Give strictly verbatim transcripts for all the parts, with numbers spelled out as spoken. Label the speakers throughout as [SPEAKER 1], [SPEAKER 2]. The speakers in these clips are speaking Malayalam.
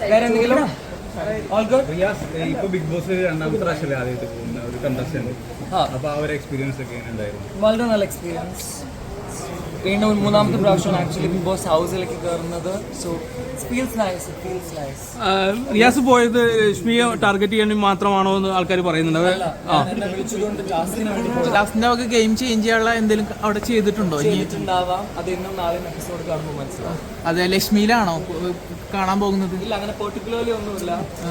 [SPEAKER 1] വേറെ എന്തെങ്കിലും ഓൾ ഗുഡ്.
[SPEAKER 2] റിയാസ് ഇപ്പൊ ബിഗ് ബോസ് രണ്ടാമത്തെ പ്രാവശ്യമല്ലേ ആദ്യമായിട്ട് പോകുന്ന ഒരു കണ്ടസ്റ്റന്റ്. അപ്പൊ ആ ഒരു എക്സ്പീരിയൻസ് ഒക്കെ ഉണ്ടായിരുന്നു?
[SPEAKER 1] വളരെ നല്ല എക്സ്പീരിയൻസ്. വീണ്ടും മൂന്നാമത്തെ പ്രാവശ്യമാണ് ആക്ച്വലി ബിഗ് ബോസ് ഹൗസിലേക്ക് കയറുന്നത്. So feels nice, feels nice.
[SPEAKER 3] Riyas പോയത് രശ്മിയെ ടാർഗറ്റ് ചെയ്യാൻ മാത്രമാണോ എന്ന് ആൾക്കാർ പറയുന്നുണ്ട്.
[SPEAKER 1] എന്നെ വിളിച്ചതുകൊണ്ട് ടാസ്കിന് വേണ്ടി പോയി.
[SPEAKER 4] ലാസ്റ്റിന്റെ ഒക്കെ ഗെയിം ചേഞ്ച് ചെയ്യാനുള്ള എന്തെങ്കിലും അവിടെ ചെയ്തിട്ടുണ്ടോ?
[SPEAKER 1] ചെയ്തിട്ടുണ്ടാവാം. അത് ഇന്നും നാളെ എപ്പിസോഡ് കാണുമ്പോൾ മനസ്സിലാവും.
[SPEAKER 4] അതെ, ലക്ഷ്മിയിലാണോ കാണാൻ പോകുന്നത്?
[SPEAKER 1] ഇല്ല, അങ്ങനെ പെർട്ടിക്കുലർലി ഒന്നുമില്ല.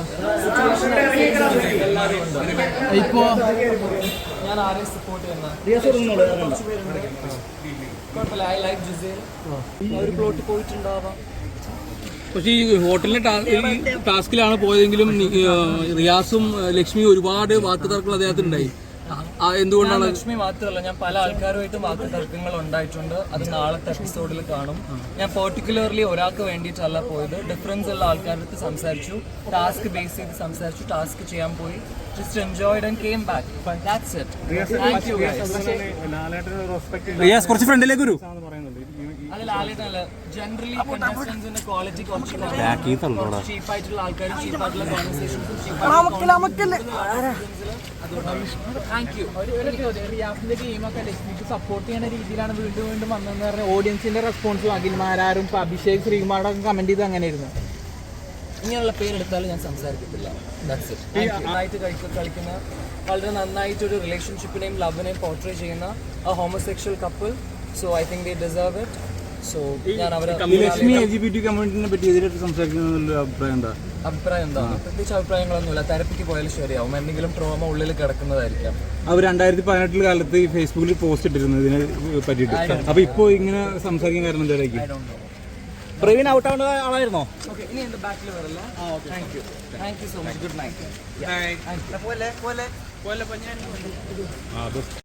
[SPEAKER 1] എല്ലാവരും ഉണ്ട്.
[SPEAKER 4] ഇപ്പോ
[SPEAKER 1] ഞാൻ ആരെയും സപ്പോർട്ട് ചെയ്യുന്ന കുഴപ്പമില്ല. I like Gisele. ഒരു പ്ലോട്ട് പോയിട്ടുണ്ടാവാം.
[SPEAKER 3] പക്ഷേ ഈ ഹോട്ടലിലെ ടാസ്കിലാണ് പോയതെങ്കിലും റിയാസും ലക്ഷ്മിയും ഒരുപാട് വാക്ക് തർക്കങ്ങൾ അദ്ദേഹത്തിനുണ്ടായി. എന്തുകൊണ്ടാണ്?
[SPEAKER 1] ലക്ഷ്മി മാത്രമല്ല, ഞാൻ പല ആൾക്കാരുമായിട്ട് വാക്ക് തർക്കങ്ങൾ ഉണ്ടായിട്ടുണ്ട്. അത് നാളത്തെ എപ്പിസോഡിൽ കാണും. ഞാൻ പെർട്ടിക്കുലർലി ഒരാൾക്ക് വേണ്ടിയിട്ടല്ല പോയത്. ഡിഫറൻസ് ഉള്ള ആൾക്കാരുടെ അടുത്ത് സംസാരിച്ചു, ടാസ്ക് ബേസ് ചെയ്ത് സംസാരിച്ചു, ടാസ്ക് ചെയ്യാൻ പോയി. Just enjoyed and came back. That's it. Thank you guys.
[SPEAKER 3] Riyas കുറച്ച് ഫ്രണ്ടിലേക്ക് വരൂ.
[SPEAKER 1] അല്ല, ലാലേട്ടനല്ല, ജനറലി കണ്ടസ്റ്റൻസിന്റെ ക്വാളിറ്റി കുറച്ച് ചീപ്പായിട്ടുള്ള ആൾക്കാരും ചീപ്പായിട്ടുള്ള കോൺവെർസേഷൻസും താങ്ക് യു.
[SPEAKER 4] റിയാസിന്റെ ഗെയിമൊക്കെ ലക്ഷ്മിക്ക് സപ്പോർട്ട് ചെയ്യുന്ന രീതിയിലാണ് വീണ്ടും വീണ്ടും വന്നതെന്ന് പറഞ്ഞാൽ ഓഡിയൻസിന്റെ റെസ്പോൺസിൽ അഖിൽമാരും ഇപ്പൊ അഭിഷേക് ശ്രീകുമാറൊക്കെ കമന്റ് ചെയ്ത് അങ്ങനെയായിരുന്നു.
[SPEAKER 1] ഇങ്ങനെയുള്ള പേരെടുത്താലും ഞാൻ സംസാരിക്കത്തില്ല. That's it. നന്നായിട്ട് കളിക്കുന്ന, വളരെ നന്നായിട്ടൊരു റിലേഷൻഷിപ്പിനെയും ലവിനെയും പോർട്രേ ചെയ്യുന്ന ആ homosexual couple. So I think they deserve it. So ഞാൻ അവരെ
[SPEAKER 3] Lakshmi L G B T കമ്മ്യൂണിറ്റിനെ പറ്റി എതിരായിട്ട് സംസാരിക്കുന്ന അഭിപ്രായം എന്താ?
[SPEAKER 1] അഭിപ്രായം എന്താ? പ്രത്യേകിച്ച് അഭിപ്രായങ്ങളൊന്നുമില്ല. തെരപ്പിക്ക് പോയാലും ശരിയാവും. എന്തെങ്കിലും ട്രോമ ഉള്ളിൽ കിടക്കുന്നതായിരിക്കാം.
[SPEAKER 3] അവർ രണ്ടായിരത്തി പതിനെട്ടിൽ കാലത്ത് ഈ ഫേസ്ബുക്കിൽ പോസ്റ്റ് ഇട്ടിരുന്നു ഇതിനെ പറ്റിയിട്ട്. അപ്പൊ ഇപ്പൊ ഇങ്ങനെ സംസാരിക്കാൻ കാരണം എന്തായിരിക്കും?
[SPEAKER 4] പ്രവീൺ ഔട്ട് ആവുന്ന ആളായിരുന്നോ?
[SPEAKER 1] ഓക്കെ, ഇനി എൻ്റെ ബാക്കിൽ വരല്ല. Thank you, thank you so much. Good night.